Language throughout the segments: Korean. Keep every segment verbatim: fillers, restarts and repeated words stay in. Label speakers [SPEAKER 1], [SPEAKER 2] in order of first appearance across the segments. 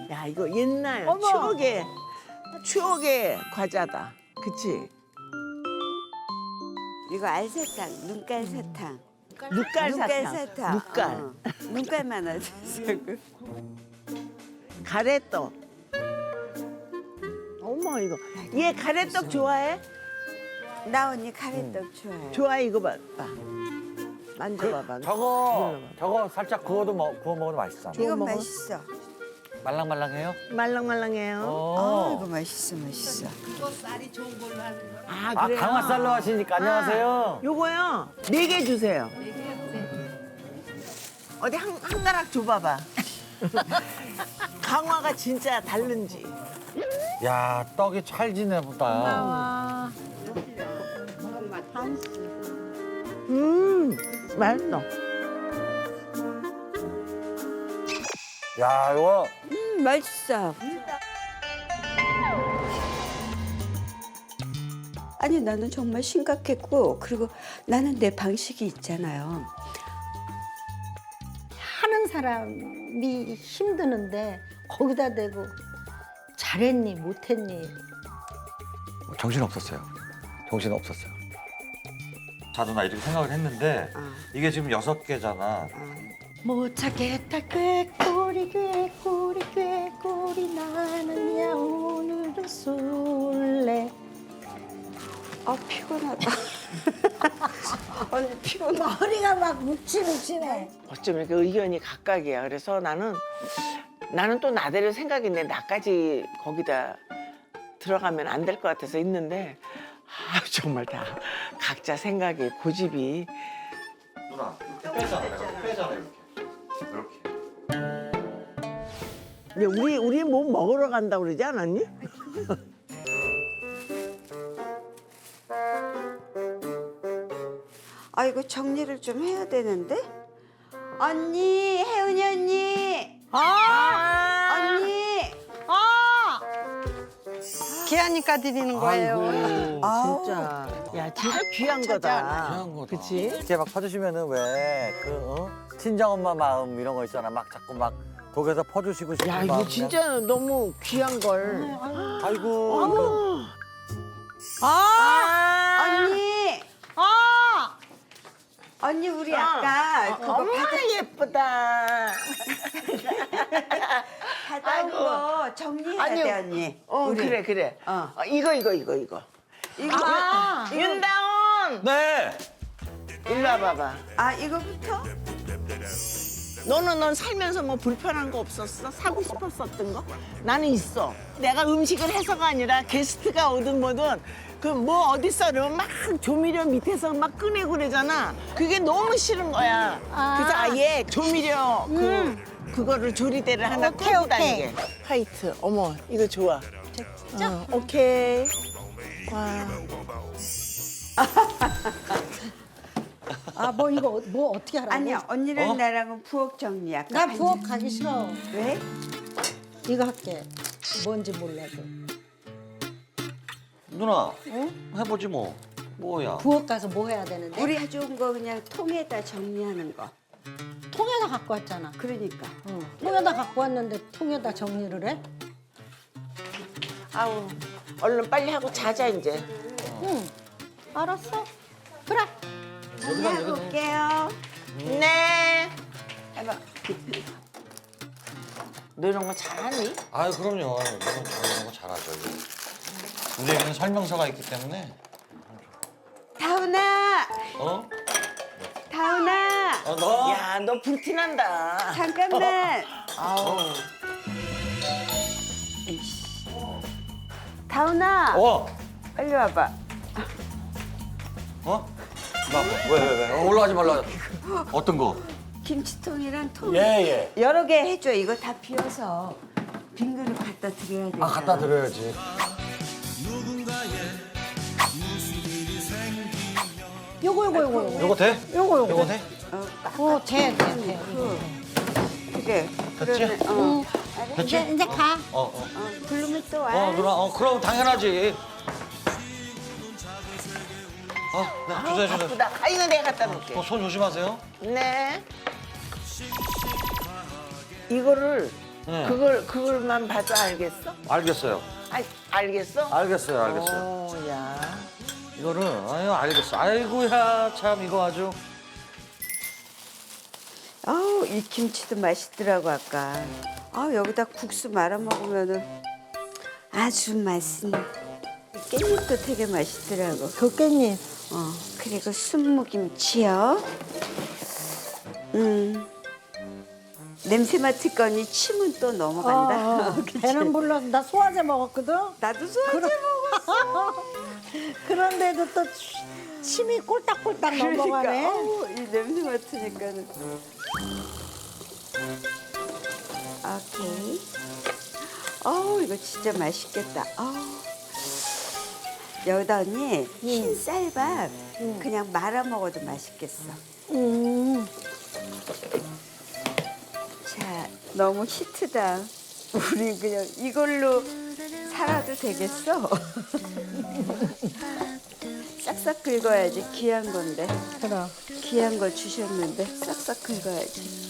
[SPEAKER 1] 야 이거 옛날
[SPEAKER 2] 어머.
[SPEAKER 1] 추억의 추억의 과자다. 그치?
[SPEAKER 3] 이거 알사탕, 눈깔 사탕.
[SPEAKER 1] 눈깔
[SPEAKER 3] 눈깔
[SPEAKER 1] 사탕.
[SPEAKER 3] 사탕.
[SPEAKER 1] 눈깔.
[SPEAKER 3] 어. 눈깔만 하자.
[SPEAKER 1] 가래떡. 어머 이거. 얘 가래떡 좋아해?
[SPEAKER 3] 나 언니 가래떡 좋아해.
[SPEAKER 1] 좋아해 이거 봐. 봐. 만져봐봐.
[SPEAKER 4] 저거
[SPEAKER 1] 눌러봐.
[SPEAKER 4] 저거 살짝 구워도 먹, 구워 먹어도 맛있어.
[SPEAKER 1] 좋아.
[SPEAKER 3] 이건
[SPEAKER 1] 먹어?
[SPEAKER 3] 맛있어.
[SPEAKER 4] 말랑말랑해요?
[SPEAKER 1] 말랑말랑해요.
[SPEAKER 3] 아,
[SPEAKER 4] 어.
[SPEAKER 3] 이거 맛있어, 맛있어.
[SPEAKER 1] 아
[SPEAKER 4] 아
[SPEAKER 1] 그래요?
[SPEAKER 4] 강화살로 하시니까 안녕하세요.
[SPEAKER 1] 요거요. 네 개 주세요. 어디 한, 한 가락 줘봐봐. 강화가 진짜 다른지.
[SPEAKER 4] 야 떡이 찰지네 보다.
[SPEAKER 2] 와.
[SPEAKER 1] 음, 맛있어.
[SPEAKER 4] 야 이거
[SPEAKER 3] 음, 맛있어. 아니, 나는 정말 심각했고, 그리고 나는 내 방식이 있잖아요.
[SPEAKER 2] 하는 사람이 힘드는데 거기다 대고 잘했니 못했니.
[SPEAKER 4] 정신 없었어요. 정신 없었어요. 자도 나 이렇게 생각을 했는데
[SPEAKER 3] 어.
[SPEAKER 4] 이게 지금 여섯 개잖아.
[SPEAKER 2] 못 찾겠다 꾀꼬리 꾀꼬리 꾀꼬리 나는야 오늘도 쏠래.
[SPEAKER 3] 아, 피곤하다. 언니 피곤하다.
[SPEAKER 2] 머리가 막 묵치묵치네.
[SPEAKER 1] 어쩜 이렇게 의견이 각각이야. 그래서 나는 나는 또 나대로 생각인데 나까지 거기다 들어가면 안 될 것 같아서 있는데 아, 정말 다 각자 생각이 고집이.
[SPEAKER 4] 누나 빼잖아. 내가 빼잖아 이렇게. 이렇게.
[SPEAKER 1] 근데 우리 우리 뭐 먹으러 간다고 그러지 않았니?
[SPEAKER 3] 아, 이거 정리를 좀 해야 되는데? 언니, 혜은이 언니!
[SPEAKER 2] 아!
[SPEAKER 3] 언니!
[SPEAKER 2] 아! 기아니까 드리는 거예요.
[SPEAKER 1] 아이고
[SPEAKER 3] 아우.
[SPEAKER 1] 진짜 야 진짜 귀한 거다.
[SPEAKER 4] 귀한 거다.
[SPEAKER 1] 그치?
[SPEAKER 4] 이렇게 막 퍼주시면은 왜그 어? 친정 엄마 마음 이런 거 있잖아. 막 자꾸 막 독에서 퍼주시고 싶은
[SPEAKER 1] 야
[SPEAKER 4] 마음.
[SPEAKER 1] 이거 진짜 너무 귀한 걸.
[SPEAKER 4] 아이고.
[SPEAKER 1] 어머.
[SPEAKER 2] 아!
[SPEAKER 3] 언니!
[SPEAKER 2] 아!
[SPEAKER 3] 언니, 우리
[SPEAKER 1] 아.
[SPEAKER 3] 아까 그거
[SPEAKER 1] 어머
[SPEAKER 3] 받아,
[SPEAKER 1] 예쁘다.
[SPEAKER 3] 받아온 거 정리해야
[SPEAKER 1] 아니요.
[SPEAKER 3] 돼, 언니.
[SPEAKER 1] 어
[SPEAKER 3] 우리.
[SPEAKER 1] 그래 그래.
[SPEAKER 3] 어.
[SPEAKER 1] 어, 이거 이거 이거 이거.
[SPEAKER 3] 이거,
[SPEAKER 2] 아!
[SPEAKER 1] 윤다운
[SPEAKER 4] 네.
[SPEAKER 1] 일로 와봐봐.
[SPEAKER 3] 아, 이거부터?
[SPEAKER 1] 너는 넌 살면서 뭐 불편한 거 없었어? 사고 싶었었던 거? 나는 있어. 내가 음식을 해서가 아니라 게스트가 오든 뭐든 그 뭐 어딨어 이러면 막 조미료 밑에서 막 꺼내고 그러잖아. 그게 너무 싫은 거야.
[SPEAKER 2] 아.
[SPEAKER 1] 그래서 아예 조미료 그 그거를 조리대를 하나
[SPEAKER 2] 오케이,
[SPEAKER 1] 끌고
[SPEAKER 2] 오케이.
[SPEAKER 1] 다니게. 화이트. 어머 이거 좋아.
[SPEAKER 2] 진짜?
[SPEAKER 1] 어, 오케이. 와.
[SPEAKER 2] 아, 뭐 이거 뭐 어떻게 하라고?
[SPEAKER 3] 아니야, 언니랑
[SPEAKER 4] 어?
[SPEAKER 3] 나랑은 부엌 정리야.
[SPEAKER 2] 나 부엌 가기 싫어.
[SPEAKER 3] 왜?
[SPEAKER 2] 이거 할게. 뭔지 몰라도.
[SPEAKER 4] 누나
[SPEAKER 2] 응?
[SPEAKER 4] 해보지 뭐. 뭐야.
[SPEAKER 2] 부엌 가서 뭐 해야 되는데?
[SPEAKER 3] 우리 가져온 거 그냥 통에다 정리하는 거.
[SPEAKER 2] 통에다 갖고 왔잖아.
[SPEAKER 3] 그러니까.
[SPEAKER 2] 응. 통에다 갖고 왔는데 통에다 정리를 해?
[SPEAKER 1] 아우 얼른 빨리 하고 자자 이제.
[SPEAKER 2] 응. 알았어. 그래.
[SPEAKER 3] 정리하고 올게요.
[SPEAKER 1] 네.
[SPEAKER 3] 해봐.
[SPEAKER 1] 너 이런 거 잘하니?
[SPEAKER 4] 아유 그럼요. 이건 저 이런 거 잘하죠. 이거. 우리에게는 설명서가 있기 때문에.
[SPEAKER 3] 다운아!
[SPEAKER 4] 어?
[SPEAKER 3] 다운아!
[SPEAKER 4] 어 너?
[SPEAKER 1] 야, 너 불티난다.
[SPEAKER 3] 잠깐만!
[SPEAKER 1] 아우.
[SPEAKER 3] 다운아!
[SPEAKER 4] 어?
[SPEAKER 3] 빨리 와봐.
[SPEAKER 4] 어? 나 왜 왜 왜? 어, 올라가지 말라. 어떤 거?
[SPEAKER 3] 김치통이랑 통.
[SPEAKER 4] 예 예.
[SPEAKER 3] 여러 개 해줘. 이거 다 비워서 빈 그릇 갖다 드려야 돼.
[SPEAKER 4] 아 갖다 드려야지.
[SPEAKER 2] 요거 요거 요거 요거.
[SPEAKER 4] 요거 돼?
[SPEAKER 2] 요거 요거.
[SPEAKER 4] 요거 돼?
[SPEAKER 2] 어, 돼, 돼, 돼.
[SPEAKER 3] 그래.
[SPEAKER 4] 됐지?
[SPEAKER 3] 그러면, 어.
[SPEAKER 2] 응.
[SPEAKER 4] 됐지?
[SPEAKER 2] 이제 이제 가.
[SPEAKER 4] 어 어.
[SPEAKER 3] 어, 부르면 또 와.
[SPEAKER 4] 어 누나 어 그럼 당연하지. 어, 네,
[SPEAKER 1] 아우,
[SPEAKER 4] 주세요 주세요.
[SPEAKER 1] 바쁘다. 아, 이거 내가 갖다 놓을게.
[SPEAKER 4] 어, 손 조심하세요.
[SPEAKER 1] 네. 이거를
[SPEAKER 4] 네.
[SPEAKER 1] 그걸 그걸만 봐도 알겠어?
[SPEAKER 4] 알겠어요.
[SPEAKER 1] 아, 알겠어?
[SPEAKER 4] 알겠어요, 알겠어요.
[SPEAKER 1] 오, 야.
[SPEAKER 4] 이거는 아유 알겠어. 아이고야 참 이거 아주.
[SPEAKER 3] 아우 이 김치도 맛있더라고 아까. 아 여기다 국수 말아 먹으면은 아주 맛있는. 깻잎도 되게 맛있더라고.
[SPEAKER 2] 그 깻잎.
[SPEAKER 3] 어 그리고 순무김치요. 음 냄새 맡을거니 침은 또 넘어간다.
[SPEAKER 2] 어, 어. 배는 불러. 나 소화제 먹었거든.
[SPEAKER 3] 나도 소화제 먹었어.
[SPEAKER 2] 그런데도 또 치- 침이 꼴딱꼴딱 넘어가네.
[SPEAKER 3] 그러니까 어우, 이 냄새 맡으니까는. 오케이. 어우 이거 진짜 맛있겠다. 어우. 여기다 언니 흰 쌀밥 그냥 말아 먹어도 맛있겠어.
[SPEAKER 2] 음.
[SPEAKER 3] 자 너무 히트다. 우리 그냥 이걸로 살아도 되겠어? 싹싹 긁어야지. 귀한 건데.
[SPEAKER 2] 그럼.
[SPEAKER 3] 귀한 거 주셨는데 싹싹 긁어야지.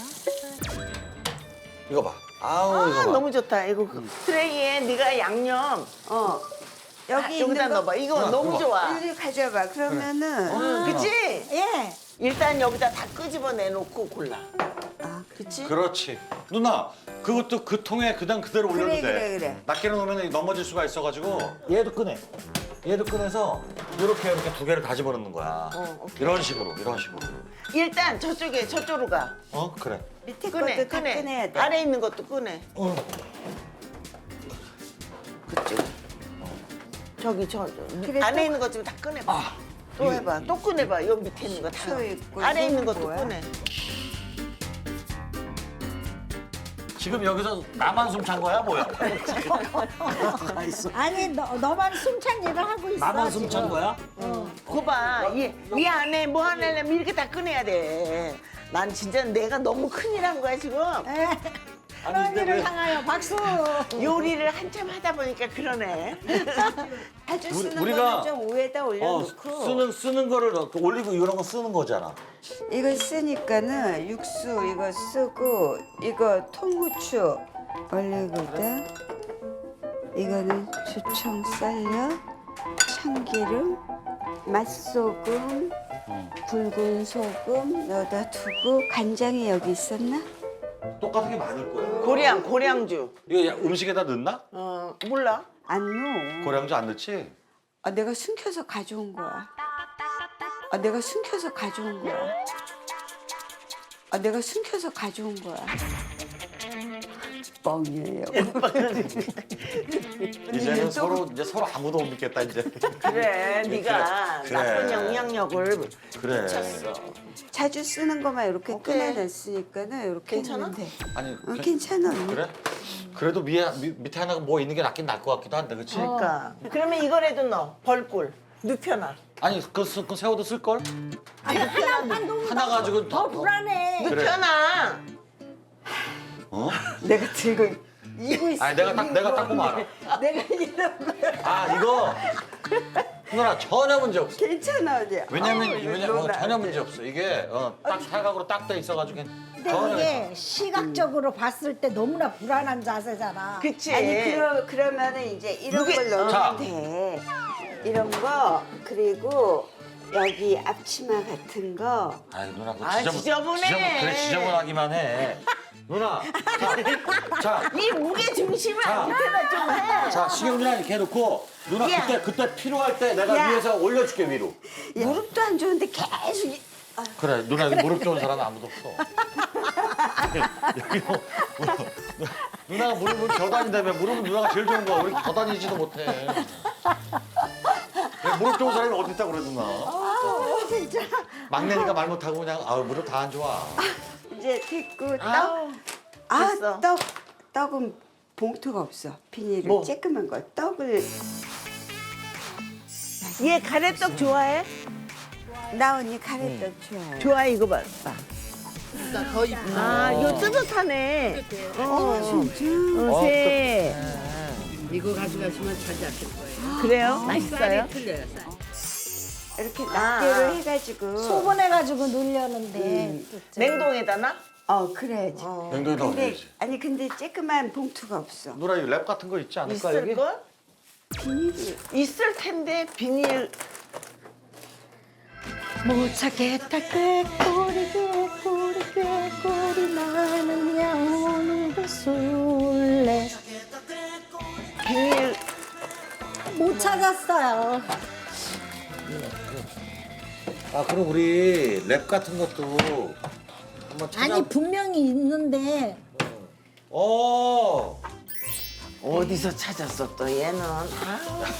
[SPEAKER 4] 이거 봐. 아우 이거
[SPEAKER 1] 아,
[SPEAKER 4] 봐.
[SPEAKER 1] 너무 좋다. 이거 그 트레이에 네가 양념
[SPEAKER 3] 어 여기
[SPEAKER 1] 아,
[SPEAKER 3] 있는
[SPEAKER 1] 여기다
[SPEAKER 3] 거
[SPEAKER 1] 넣어봐. 이거
[SPEAKER 4] 어,
[SPEAKER 1] 너무
[SPEAKER 4] 이거.
[SPEAKER 1] 좋아.
[SPEAKER 3] 이리 가져봐. 그러면은
[SPEAKER 1] 그치?
[SPEAKER 2] 예.
[SPEAKER 1] 일단 여기다 다 끄집어 내놓고 골라.
[SPEAKER 3] 아,
[SPEAKER 1] 그치?
[SPEAKER 5] 그렇지. 누나, 그것도 그 통에 그냥 그대로 올려도
[SPEAKER 3] 그래,
[SPEAKER 5] 돼.
[SPEAKER 3] 그래, 그래.
[SPEAKER 5] 낱개로 놓으면 넘어질 수가 있어가지고.
[SPEAKER 4] 얘도 꺼내. 얘도 꺼내서 이렇게 이렇게 두 개를 다 집어넣는 거야.
[SPEAKER 1] 어, 오케이.
[SPEAKER 5] 이런 식으로, 이런 식으로.
[SPEAKER 1] 일단 저쪽에 저쪽으로 가.
[SPEAKER 5] 어, 그래.
[SPEAKER 3] 밑에
[SPEAKER 1] 꺼내,
[SPEAKER 3] 것도 다
[SPEAKER 1] 꺼내.
[SPEAKER 3] 꺼내야 돼.
[SPEAKER 1] 아래 있는 것도 꺼내.
[SPEAKER 4] 어.
[SPEAKER 1] 그쪽. 저기 저, 저
[SPEAKER 3] 그래,
[SPEAKER 1] 안에
[SPEAKER 3] 또-
[SPEAKER 1] 있는 것 좀 다 꺼내봐. 또 해봐. 또 꺼내봐. 여기 밑에 있는 거 다.
[SPEAKER 3] 식초 있고,
[SPEAKER 1] 아래 있는
[SPEAKER 3] 이건
[SPEAKER 1] 것도
[SPEAKER 3] 뭐야?
[SPEAKER 1] 꺼내.
[SPEAKER 4] 지금 여기서 나만 숨 찬 거야 뭐야?
[SPEAKER 2] 아니 너, 너만 숨찬 일을 하고 있어.
[SPEAKER 4] 나만 숨 찬
[SPEAKER 2] 지금.
[SPEAKER 4] 거야?
[SPEAKER 1] 그거 봐. 이, 이 안에 뭐 하려면 이렇게 다 꺼내야 돼. 난 진짜 내가 너무 큰일 한 거야 지금.
[SPEAKER 2] 예.
[SPEAKER 4] 아니, 근데
[SPEAKER 2] 언니를
[SPEAKER 4] 왜-
[SPEAKER 2] 향하여 박수.
[SPEAKER 1] 요리를 한참 하다 보니까 그러네.
[SPEAKER 3] 아주 쓰는
[SPEAKER 4] 우리가-
[SPEAKER 3] 거는 좀 위에다
[SPEAKER 4] 어
[SPEAKER 3] 올려놓고
[SPEAKER 4] 쓰는 쓰는 거를 넣고 올리고 이런 거 쓰는 거잖아.
[SPEAKER 3] 이거 쓰니까는 육수 이거 쓰고 이거 통후추 올리거든. 이거는 주청 썰려 참기름 맛소금 굵은 소금 넣어다 두고 간장이 여기 있었나?
[SPEAKER 5] 똑같은 게 많을 거야.
[SPEAKER 1] 고량, 고량주.
[SPEAKER 5] 이거 야, 음식에다 넣나?
[SPEAKER 1] 어, 몰라.
[SPEAKER 3] 안 넣어.
[SPEAKER 5] 고량주 안 넣지?
[SPEAKER 3] 아, 내가 숨겨서 가져온 거야. 아, 내가 숨겨서 가져온 거야. 아, 내가 숨겨서 가져온 거야. 뻥이에요.
[SPEAKER 5] 이제는 서로 이제 서로 아무도 못 믿겠다 이제.
[SPEAKER 1] 그래, 네가
[SPEAKER 5] 그래.
[SPEAKER 1] 나쁜 영향력을
[SPEAKER 5] 그래.
[SPEAKER 1] 미쳤어.
[SPEAKER 3] 자주 쓰는 것만 이렇게
[SPEAKER 1] 오케이.
[SPEAKER 3] 꺼내놨으니까는 이렇게
[SPEAKER 1] 괜찮아?
[SPEAKER 3] 했는데.
[SPEAKER 5] 아니,
[SPEAKER 3] 어,
[SPEAKER 5] 그-
[SPEAKER 3] 괜찮아. 언니.
[SPEAKER 5] 그래? 그래도 위에 미, 밑에 하나가 뭐 있는 게 낫긴 나을 것 같기도 한데, 그렇지?
[SPEAKER 1] 그러니까. 그러면 이거라도 넣어. 벌꿀. 눕혀놔.
[SPEAKER 5] 아니, 그, 스- 그 새우도 쓸 걸?
[SPEAKER 2] 아니 하나만 너무
[SPEAKER 5] 하나 가지고
[SPEAKER 2] 더 불안해.
[SPEAKER 5] 그래.
[SPEAKER 1] 눕혀놔.
[SPEAKER 5] 어?
[SPEAKER 3] 내가 들고 이고 있어.
[SPEAKER 5] 아니 내가 딱 내가 딱 보면 알아.
[SPEAKER 3] 내가 이런 거야.
[SPEAKER 4] 아 이거 누나 전혀 문제 없어.
[SPEAKER 3] 괜찮아, 언니.
[SPEAKER 5] 왜냐면
[SPEAKER 3] 아우, 이거
[SPEAKER 5] 왜냐면 어,
[SPEAKER 3] 너무
[SPEAKER 5] 전혀
[SPEAKER 3] 안
[SPEAKER 5] 문제
[SPEAKER 3] 돼.
[SPEAKER 5] 없어. 이게 어, 딱 사각으로 딱 돼 있어가지고
[SPEAKER 2] 근데
[SPEAKER 5] 전혀
[SPEAKER 2] 이게 시각적으로 봤을 때 너무나 불안한 자세잖아.
[SPEAKER 1] 그치?
[SPEAKER 3] 아니 그러, 그러면은 이제 이런
[SPEAKER 1] 누게-
[SPEAKER 3] 걸 넣으면
[SPEAKER 5] 자.
[SPEAKER 3] 돼. 이런 거 그리고 여기 앞치마 같은 거.
[SPEAKER 5] 아이 누나 그거
[SPEAKER 1] 아,
[SPEAKER 5] 지저분,
[SPEAKER 1] 지저분해.
[SPEAKER 5] 지저분 그래 지저분하기만 해.
[SPEAKER 4] 누나. 자,
[SPEAKER 1] 이 무게 중심을
[SPEAKER 4] 자.
[SPEAKER 1] 밑에다 좀 해.
[SPEAKER 4] 자 식용 누나 이렇게 해놓고 누나
[SPEAKER 1] 야.
[SPEAKER 4] 그때 그때 필요할 때 내가
[SPEAKER 3] 야.
[SPEAKER 4] 위에서 올려줄게 위로.
[SPEAKER 3] 무릎도 안 좋은데 계속 이-
[SPEAKER 5] 그래 누나 여기 무릎 좋은 사람은 아무도 없어. 여기 뭐, 뭐, 누나가 무릎을 겨다닌다며 무릎은 누나가 제일 좋은 거야. 우리 겨다니지도 못해. 야, 무릎 좋은 사람이 어디 있다고 그래 누나.
[SPEAKER 3] 아, 진짜.
[SPEAKER 5] 막내니까 말 못하고 그냥 아 무릎 다 안 좋아.
[SPEAKER 3] 이제 됐고 떡.
[SPEAKER 1] 아우,
[SPEAKER 3] 아,
[SPEAKER 1] 됐어.
[SPEAKER 3] 떡. 떡은 봉투가 없어. 비닐을
[SPEAKER 1] 뭐?
[SPEAKER 3] 쬐끄만 거. 떡을
[SPEAKER 1] 얘 가래떡 좋아해?
[SPEAKER 3] 나 언니 가래떡 좋아해.
[SPEAKER 1] 좋아해 이거 봐. 아, 이거 뜨뜻하네. 어, 진짜? 어, 새.
[SPEAKER 6] 이거 가져가시면 자주 아실 거예요.
[SPEAKER 1] 그래요? 맛있어요?
[SPEAKER 6] 틀려요, 쌀.
[SPEAKER 3] 이렇게
[SPEAKER 1] 아,
[SPEAKER 3] 낱개로
[SPEAKER 1] 아.
[SPEAKER 3] 해가지고.
[SPEAKER 2] 소분해가지고 놀려는데.
[SPEAKER 3] 음.
[SPEAKER 2] 또
[SPEAKER 1] 냉동에다 놔?
[SPEAKER 3] 어 그래야지.
[SPEAKER 5] 냉동에다
[SPEAKER 3] 근데
[SPEAKER 5] 올려야지.
[SPEAKER 3] 아니 근데 쬐끄만 봉투가 없어.
[SPEAKER 5] 누나 이 랩 같은 거 있지 않을까 여기?
[SPEAKER 1] 있을 걸?
[SPEAKER 3] 비닐이.
[SPEAKER 1] 있을 텐데 비닐.
[SPEAKER 2] 못 찾겠다 꾀꼬리 꾀꼬리 꾀꼬리 나는야 오늘도 술래
[SPEAKER 1] 비닐.
[SPEAKER 2] 못 찾았어요.
[SPEAKER 5] 아 그럼 우리 랩 같은 것도 한번 찾아.
[SPEAKER 2] 아니 분명히 있는데
[SPEAKER 5] 어.
[SPEAKER 1] 어디서 찾았어 또 얘는. 아,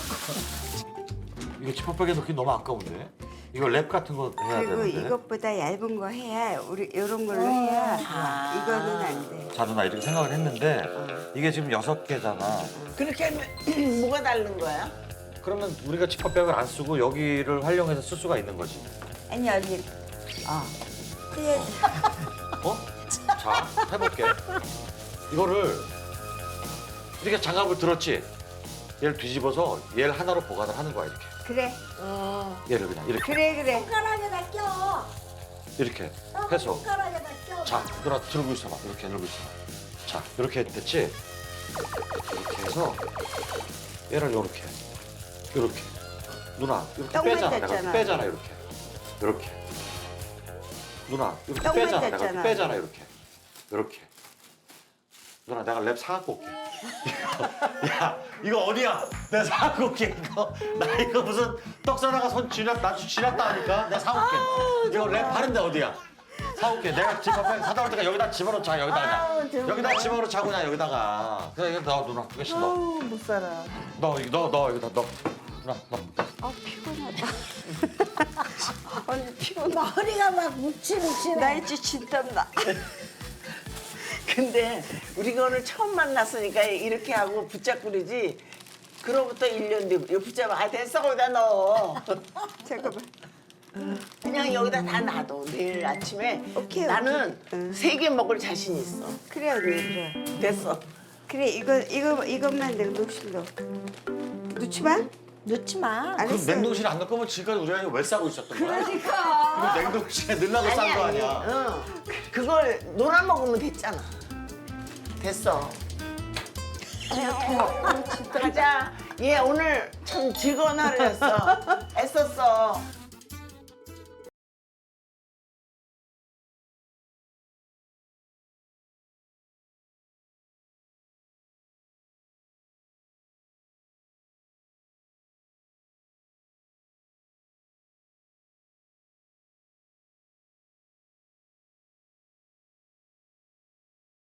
[SPEAKER 5] 이거 지퍼백에 넣기 너무 아까운데. 이거 랩 같은 거 해야
[SPEAKER 3] 그리고
[SPEAKER 5] 되는데.
[SPEAKER 3] 이것보다 얇은 거 해야 우리 이런 걸로 해야 이거는 안 돼.
[SPEAKER 5] 자 누나 이렇게 생각을 했는데 이게 지금 여섯 개잖아.
[SPEAKER 1] 그렇게 하면 뭐가 다른 거야?
[SPEAKER 5] 그러면 우리가 지퍼백을 안 쓰고 여기를 활용해서 쓸 수가 있는 거지.
[SPEAKER 3] 아니 언니. 어. 그래.
[SPEAKER 5] 어? 자 해볼게. 이거를 이렇게 장갑을 들었지. 얘를 뒤집어서 얘를 하나로 보관을 하는 거야 이렇게.
[SPEAKER 3] 그래.
[SPEAKER 5] 얘를 그냥 이렇게
[SPEAKER 3] 그래 그래.
[SPEAKER 2] 손가락에다 껴.
[SPEAKER 5] 이렇게 해서.
[SPEAKER 2] 손가락에다 껴.
[SPEAKER 5] 자 누나 들고 있어봐. 이렇게 들고 있어봐. 자 이렇게 됐지. 이렇게 해서 얘를 이렇게 이렇게 누나 이렇게
[SPEAKER 3] 떡만
[SPEAKER 5] 빼잖아. 내가
[SPEAKER 3] 됐잖아.
[SPEAKER 5] 이렇게 빼잖아 이렇게 이렇게 누나 이렇게
[SPEAKER 3] 떡만
[SPEAKER 5] 빼잖아. 내가
[SPEAKER 3] 됐잖아.
[SPEAKER 5] 이렇게 빼잖아 이렇게 이렇게 누나 내가 랩 사갖고 올게. 야 이거 어디야? 내가 사갖고 올게 이거. 나 이거 무슨 떡사다가 손 쥐났 나 쥐났다 하니까 내가 사올게. 이거 랩 하는데 어디야? 사올게. 내가 집앞에 사다 올 때가 여기다 집어넣자 여기다가 그냥. 여기다 집어넣자 그냥 여기다가. 그래 이거 넣어 누나 두 개씩 넣어.
[SPEAKER 1] 아우 못 살아.
[SPEAKER 5] 넣어 이거 넣어 넣어 여기다 넣어. 누나 넣어.
[SPEAKER 3] 아 피곤하다. 언니 피곤해.
[SPEAKER 2] 머리가 막 묵치묵치네.
[SPEAKER 3] 나 이제 진땀나.
[SPEAKER 1] 근데 우리가 오늘 처음 만났으니까 이렇게 하고 붙잡고 그러지. 그로부터 일 년 뒤 이거 붙잡아. 아 됐어 거기다 넣어.
[SPEAKER 3] 잠깐만.
[SPEAKER 1] 그냥 여기다 다 놔둬. 내일 아침에
[SPEAKER 3] 오케이,
[SPEAKER 1] 나는
[SPEAKER 3] 오케이.
[SPEAKER 1] 세 개 먹을 자신 있어.
[SPEAKER 3] 그래 언니 그래.
[SPEAKER 1] 됐어.
[SPEAKER 3] 그래 이거 이거 이것만 내가 녹실 넣어. 넣지 마.
[SPEAKER 2] 넣지 마.
[SPEAKER 5] 그럼
[SPEAKER 3] 알았어.
[SPEAKER 5] 냉동실에 안 넣을 거면 지금까지 우리가 이거 왜 싸고 있었던 거야? 그러니까. 이거 냉동실에 넣으려고 싼 거 아니야?
[SPEAKER 1] 응. 그걸 놀아 먹으면 됐잖아. 됐어. 가자. 얘 오늘 참 즐거운 하루였어. 애썼어.